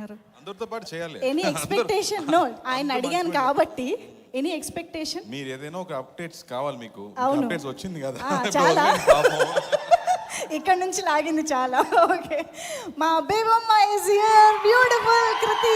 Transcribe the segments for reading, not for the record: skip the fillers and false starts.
అనుకుంటున్నారు? అందరితో పాటు చేయాలి. Any expectation? నో, ఆయన అడిగాను కాబట్టి ఎనీ ఎక్స్పెక్టేషన్? మీరు ఏదైనా ఒక అప్డేట్స్ కావాలి మీకు. అవును. అప్డేట్స్ వచ్చింది కదా. చాలా ఇక్కడ నుంచి లాగింది చాలా. ఓకే, మా Bebamma is here, beautiful Krithi.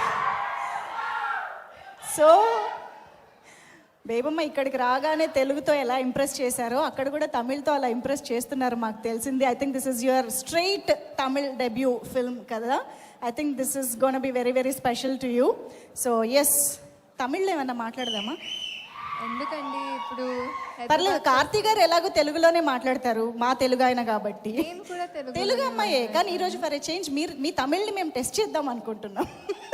So Bebamma ఇక్కడికి రాగానే తెలుగుతో ఎలా ఇంప్రెస్ చేశారో అక్కడ కూడా తమిళ్తో అలా ఇంప్రెస్ చేస్తున్నారు మాకు తెలిసింది. I think this is your straight Tamil debut film కదా. I think this is gonna be very very special to you. So yes, తమిళ్లో ఏమన్నా మాట్లాడదామా? ఎందుకండి ఇప్పుడు పర్లేదు, కార్తీ గారు ఎలాగో తెలుగులోనే మాట్లాడతారు, మా తెలుగు ఆయన కాబట్టి. నేను కూడా తెలుగు అమ్మాయే, కానీ ఈరోజు ఫర్ ఏ చేంజ్ మీరు మీ తమిళ్ని మేము టెస్ట్ చేద్దాం అనుకుంటున్నాం.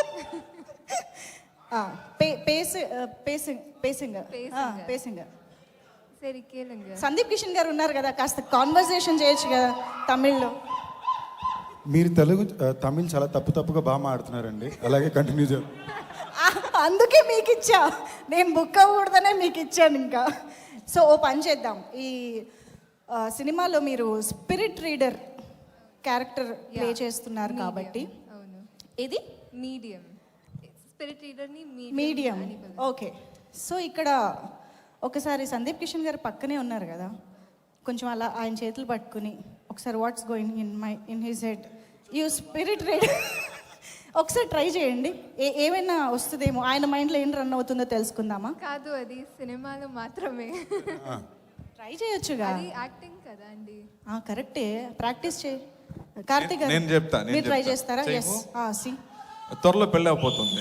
సరే కేளுங்க. సందీప్ కిషన్ గారు ఉన్నారు కదా, కాస్త కాన్వర్సేషన్ చేయొచ్చు కదా తమిళ్లో. మీరు తమిళ్ చాలా తప్పుగా బాగా మాడుతున్నారండి, అలాగే కంటిన్యూ చేయండి. అందుకే మీకు ఇచ్చా, నేను బుక్ అవ్వకూడదనే మీకు ఇచ్చాను ఇంకా. సో ఓ పని చేద్దాం, ఈ సినిమాలో మీరు స్పిరిట్ రీడర్ క్యారెక్టర్ ప్లే చేస్తున్నారు కాబట్టి. అవును, ఇది మీడియం స్పిరిట్ రీడర్ని మీడియం. ఓకే, సో ఇక్కడ ఒకసారి సందీప్ కిషన్ గారు పక్కనే ఉన్నారు కదా, కొంచెం అలా ఆయన చేతులు పట్టుకుని ఒకసారి what's going in his head, you spirit reader ఒకసారి ట్రై చేయండి, ఏమైనా వస్తుందేమో, ఆయన మైండ్లో ఏం రన్ అవుతుందో తెలుసుకుందామా? కాదు, అది సినిమాలో మాత్రమే. ట్రై చేయొచ్చుగా, యాక్టింగ్ కదా అండి. కరెక్టే, ప్రాక్టీస్ చేయి. కార్తీక్ గారు నేను చెప్తా, మీరు ట్రై చేస్తారా? ఎస్, సి త్వరలో పెళ్ళి అయిపోతుంది.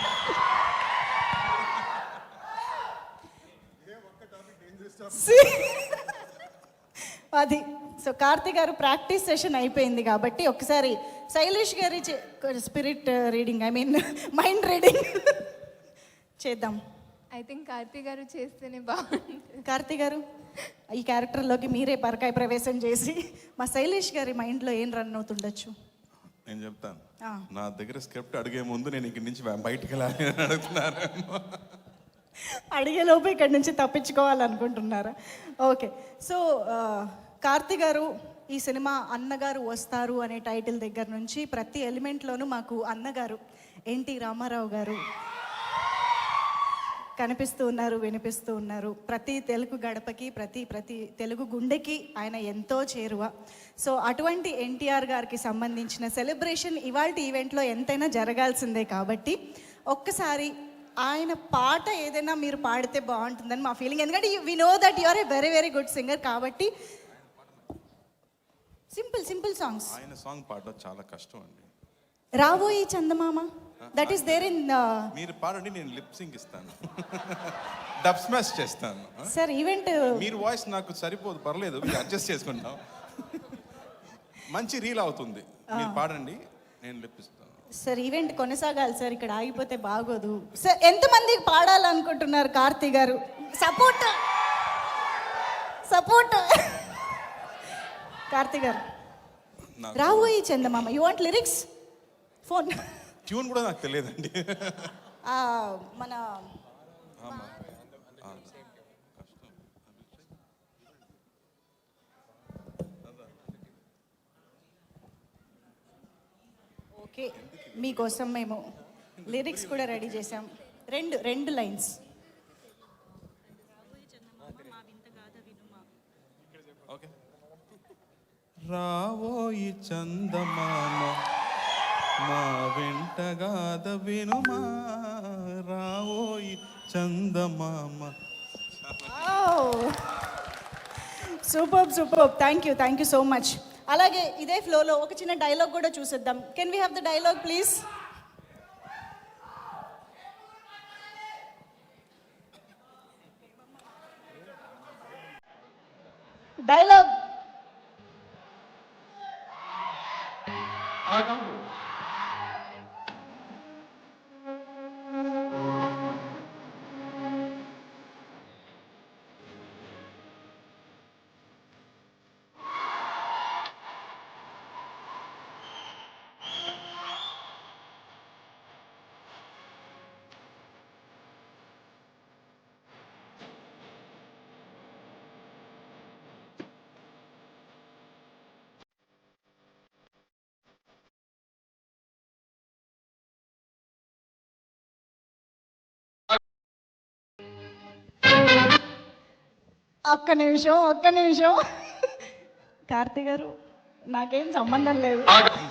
అది సో కార్తీక్ గారు ప్రాక్టీస్ సెషన్ అయిపోయింది కాబట్టి ఒకసారి శైలేష్ గారి spirit reading, I mean mind reading చేద్దాం. ఐ థింక్ కార్తీ గారు చేస్తేనే బాగుంటుంది. కార్తీ గారు ఈ క్యారెక్టర్లోకి మీరే పరకాయ ప్రవేశం చేసి మా శైలేష్ గారి మైండ్లో ఏం రన్ అవుతుండొచ్చు నేను చెప్తాను. నా దగ్గర స్క్రిప్ట్ అడిగే ముందు నేను ఇక్కడి నుంచి బయటికి వెళ్ళాలి అని అడుగుతున్నారు. అడిగేలోపు ఇక్కడి నుంచి తప్పించుకోవాలనుకుంటున్నారా? ఓకే, సో కార్తీ గారు ఈ సినిమా అన్నగారు వస్తారు అనే టైటిల్ దగ్గర నుంచి ప్రతి ఎలిమెంట్లోనూ మాకు అన్నగారు ఎన్టీ రామారావు గారు కనిపిస్తూ ఉన్నారు, వినిపిస్తూ ఉన్నారు. ప్రతి తెలుగు గడపకి, ప్రతి తెలుగు గుండెకి ఆయన ఎంతో చేరువ. సో అటువంటి ఎన్టీఆర్ గారికి సంబంధించిన సెలబ్రేషన్ ఇవాళ ఈవెంట్లో ఎంతైనా జరగాల్సిందే కాబట్టి ఒక్కసారి ఆయన పాట ఏదైనా మీరు పాడితే బాగుంటుందని మా ఫీలింగ్. ఎందుకంటే we know that you are a very very good singer కాబట్టి సింపుల్ సాంగ్స్. ఆయన సాంగ్ పాడడం చాలా కష్టం అండి. రాబోయే చందమామ, దట్ ఈస్ దేర్ ఇన్. మీరు పాడండి, నేను లిప్ సింగ్ ఇస్తాను, డబ్ స్మాష్ చేస్తాను. సార్ ఈవెంట్ మీరు వాయిస్ నాకు సరిపోదు, పర్లేదు, అడ్జస్ట్ చేసుకుంటాం. మంచి రీల్ అవుతుంది, మీరు పాడండి, నేను లిప్ ఇస్తాను. సార్ ఈవెంట్ కొనసాగాలి సార్, ఇక్కడ ఆగిపోతే బాగోదు సార్. ఎంతమంది పాడాలనుకుంటున్నారు కార్తీ గారు? సపోర్ట్ కార్తీ గారు. రాబోయే చందమామ, you want lyrics? Phone tune కూడా నాకు తెలియదండి. మన ఓకే, మీకోసం మేము లిరిక్స్ కూడా రెడీ చేసాం. రెండు లైన్స్. రావోయి చందమామ మా వెంటగాద వినుమా, రావోయి చందమామ. Super, thank you so much. అలాగే ఇదే ఫ్లోలో ఒక చిన్న డైలాగ్ కూడా చూసేద్దాం. Can we have the dialogue please? Dialogue. ఒక్క నిమిషం కార్తీ గారు నాకేం సంబంధం లేదు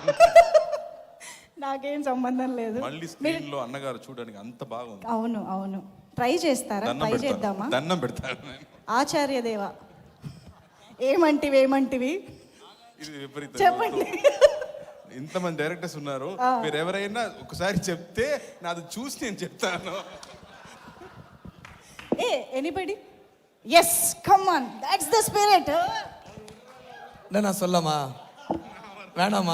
నాకేం సంబంధం లేదు మళ్ళీ స్క్రీన్ లో అన్నగారు చూడడానికి అంత బాగుంది. అవును ట్రై చేస్తారా? ట్రై చేద్దామా? దండం పెడతాను నేను. ఆచార్య దేవ ఏమంటివి ఇది విపరీతం. చెప్పండి. ఇంతమంది డైరెక్టర్స్ ఉన్నారు, మీరు ఎవరైనా ఒకసారి చెప్తే నాది చూసి నేను చెప్తాను. Anybody? Yes, come on, that's the spirit. நான் சொல்லமா வேணாமா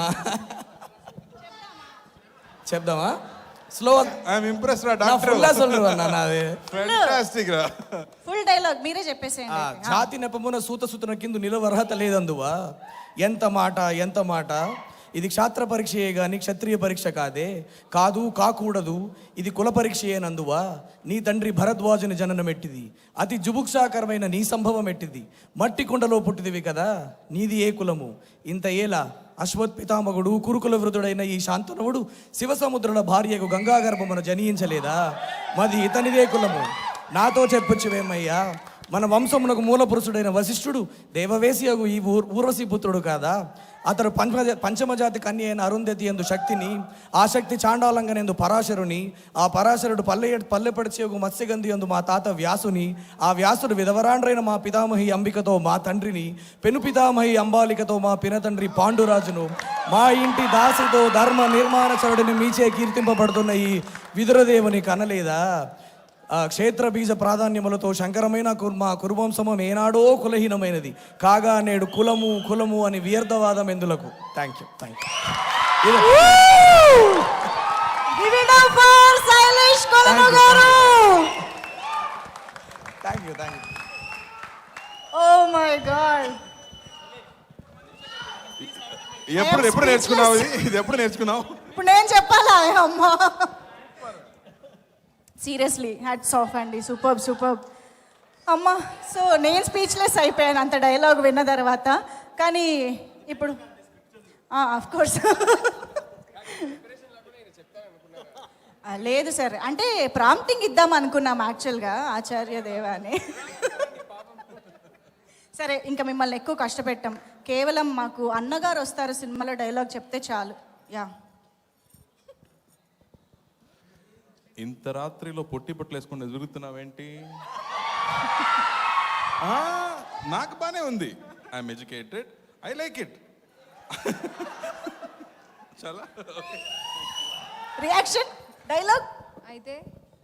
చెప్దామా స్లో ఐఎమ్ ఇంప్రెస్ రా நான் డాక్టర్. ఫుల్లా சொல்றேன் நான் அது ఫ్యాంటాస్టిక్ రా. ఫుల్ డైలాగ్ మీరే చెప్పేసేయండి. ఛాతి నెపమున సూతసుతున కింద నిలవరహత లేదందువా ఎంత మాట ఇది క్షాత్ర పరీక్షయే గాని క్షత్రియ పరీక్ష కాదు కాకూడదు ఇది కుల పరీక్షయేనందువా నీ తండ్రి భరద్వాజుని జననం ఎట్టిది అతి జుభుక్షాకరమైన నీ సంభవం ఎట్టిది మట్టి కుండలో పుట్టిదివి కదా నీది ఏ కులము ఇంత ఏలా అశ్వత్పితామగుడు కురుకుల వృధుడైన ఈ శాంతనువుడు శివసముద్రుల భార్యకు గంగాగర్భమున జనించలేదా మది ఇతనిదే కులము నాతో చెప్పొచ్చువేమయ్యా మన వంశమునకు మూల పురుషుడైన వశిష్ఠుడు దేవవేశియగు ఈ ఊర్వశి పుత్రుడు కాదా అతడు పంచమజాతి కన్య అయిన అరుంధతి ఎందు శక్తిని ఆ శక్తి చాండాలంగనెందు పరాశరుని ఆ పరాశరుడు పల్లెపడిచేగు మత్స్యగంధి ఎందు మా తాత వ్యాసుని ఆ వ్యాసుడు విధవరాండ్రైన మా పితామహి అంబికతో మా తండ్రిని పెను పితామహి అంబాలికతో మా పినతండ్రి పాండురాజును మా ఇంటి దాసితో ధర్మ నిర్మాణచరుడిని మీచే కీర్తింపబడుతున్న ఈ విదురదేవుని కనలేదా క్షేత్ర బీజ ప్రాధాన్యములతో శంకరమైన మా కురువంశము ఏనాడో కులహీనమైనది కాగా నేడు కులము అని వ్యర్థవాదం ఎందులకు. Thank you oh my god. ఎప్పుడు నేర్చుకున్నావు ఇది ఎప్పుడు నేర్చుకున్నావు? ఇప్పుడు నేను చెప్పాలా? అమ్మా సీరియస్లీ హ్యాట్స్ ఆఫ్ అండి. సూపర్ అమ్మా. సో నేను స్పీచ్లెస్ అయిపోయాను అంత డైలాగ్ విన్న తర్వాత. కానీ ఇప్పుడు ఆఫ్ కోర్స్ లేదు సార్, అంటే ప్రాంప్టింగ్ ఇద్దాం అనుకున్నాం యాక్చువల్గా ఆచార్య దేవ అని. సరే, ఇంకా మిమ్మల్ని ఎక్కువ కష్టపెట్టాం. కేవలం మాకు అన్నగారు వస్తారు సినిమాలో డైలాగ్ చెప్తే చాలు. యా. ఇంత రాత్రిలో పొట్టి బట్టలు వేసుకుని ఎదుగుతున్నావేంటి? నాకు బానే ఉంది. I'm educated, I like it. చాలా రియాక్షన్ డైలాగ్ అయితే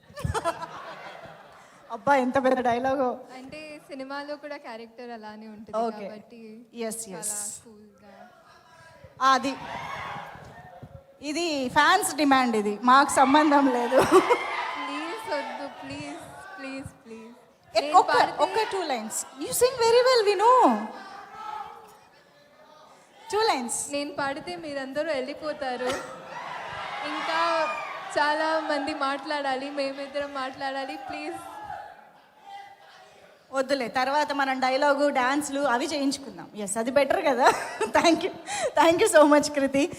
అబ్బా ఎంత పెద్ద డైలాగో. అంటే సినిమాలో కూడా క్యారెక్టర్ అలానే ఉంటుంది Okay. కాబట్టి ఎస్ చాలా కూల్గా. అది ఇది ఫ్యాన్స్ డిమాండ్, ఇది మాకు సంబంధం లేదు. ప్లీజ్ వద్దు, ప్లీజ్ ప్లీజ్ ప్లీజ్. ఒక్క 2 lines. You sing very well, we know. 2 lines. నేను పాడితే మీరందరూ వెళ్ళిపోతారు. ఇంకా చాలా మంది మాట్లాడాలి, మేమిద్దరం మాట్లాడాలి. ప్లీజ్ వద్దులే, తర్వాత మనం డైలాగు డాన్స్లు అవి చేయించుకుందాం. ఎస్, అది బెటర్ కదా. Thank you so much Kriti.